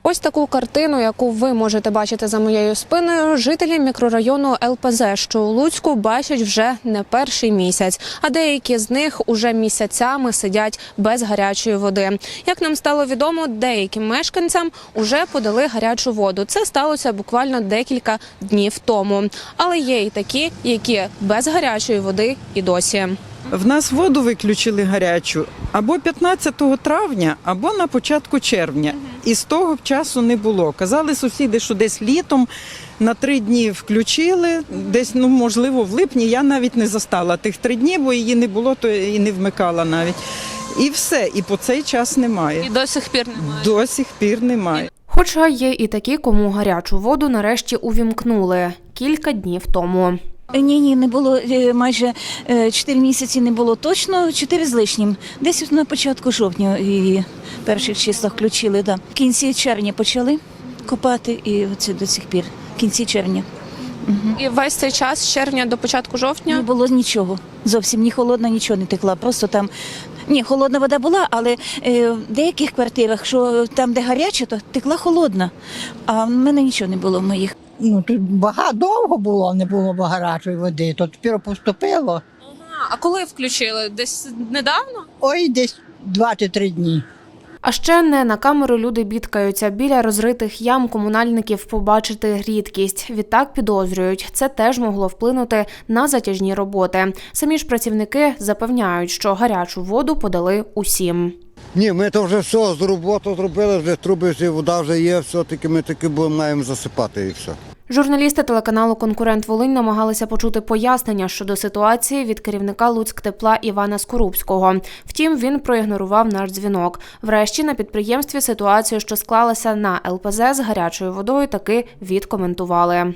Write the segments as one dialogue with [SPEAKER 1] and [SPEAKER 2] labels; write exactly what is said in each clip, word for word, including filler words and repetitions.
[SPEAKER 1] Ось таку картину, яку ви можете бачити за моєю спиною, жителі мікрорайону Ел Пе Зе, що у Луцьку, бачать вже не перший місяць, а деякі з них уже місяцями сидять без гарячої води. Як нам стало відомо, деяким мешканцям уже подали гарячу воду. Це сталося буквально декілька днів тому. Але є і такі, які без гарячої води і досі.
[SPEAKER 2] В нас воду виключили гарячу або п'ятнадцятого травня, або на початку червня. І з того часу не було. Казали сусіди, що десь літом на три дні включили, десь, ну, можливо, в липні. Я навіть не застала тих три дні, бо її не було, то і не вмикала навіть. І все, і по цей час немає.
[SPEAKER 1] І до сих пір немає?
[SPEAKER 2] До сих пір немає.
[SPEAKER 3] Хоча є і такі, кому гарячу воду нарешті увімкнули кілька днів тому.
[SPEAKER 4] Ні, ні, не було, майже чотири місяці не було точно, чотири з лишнім. Десь на початку жовтня і в перших числах включили, да. В кінці червня почали копати і оце до сих пір, в кінці червня. Угу.
[SPEAKER 1] І весь цей час, з червня до початку жовтня?
[SPEAKER 4] Не було нічого, зовсім ні холодна, нічого не текла, просто там, ні, холодна вода була, але е, в деяких квартирах, що там, де гаряче, то текла холодна, а в мене нічого не було в моїх.
[SPEAKER 5] Ну, тут багато довго було, не було гарячої води, то тепер поступило.
[SPEAKER 1] Ага, а коли включили? Десь недавно?
[SPEAKER 5] Ой, десь два чи три дні.
[SPEAKER 3] А ще не на камеру люди бідкаються. Біля розритих ям комунальників побачити рідкість. Відтак підозрюють, це теж могло вплинути на затяжні роботи. Самі ж працівники запевняють, що гарячу воду подали усім.
[SPEAKER 6] Ні, ми то вже все, з роботу зробили, вже труби, вже вода вже є, все-таки ми таки будемо маємо засипати і все.
[SPEAKER 3] Журналісти телеканалу «Конкурент Волинь» намагалися почути пояснення щодо ситуації від керівника Луцьктепла Івана Скорубського. Втім, він проігнорував наш дзвінок. Врешті на підприємстві ситуацію, що склалася на Ел Пе Зе з гарячою водою, таки відкоментували.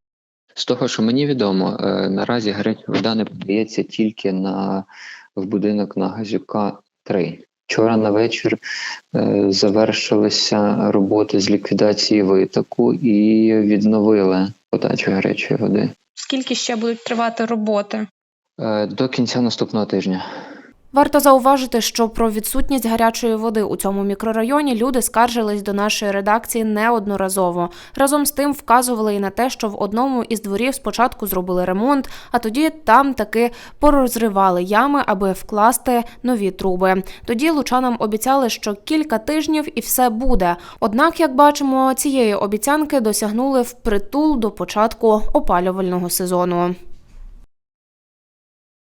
[SPEAKER 7] З того, що мені відомо, наразі гаряча вода не подається тільки на, в будинок на Газюка три. Вчора на вечір е, завершилися роботи з ліквідації витоку і відновили подачу гарячої води.
[SPEAKER 1] Скільки ще будуть тривати роботи?
[SPEAKER 7] Е, до кінця наступного тижня.
[SPEAKER 3] Варто зауважити, що про відсутність гарячої води у цьому мікрорайоні люди скаржились до нашої редакції неодноразово. Разом з тим вказували і на те, що в одному із дворів спочатку зробили ремонт, а тоді там таки порозривали ями, аби вкласти нові труби. Тоді лучанам обіцяли, що кілька тижнів і все буде. Однак, як бачимо, цієї обіцянки досягнули впритул до початку опалювального сезону.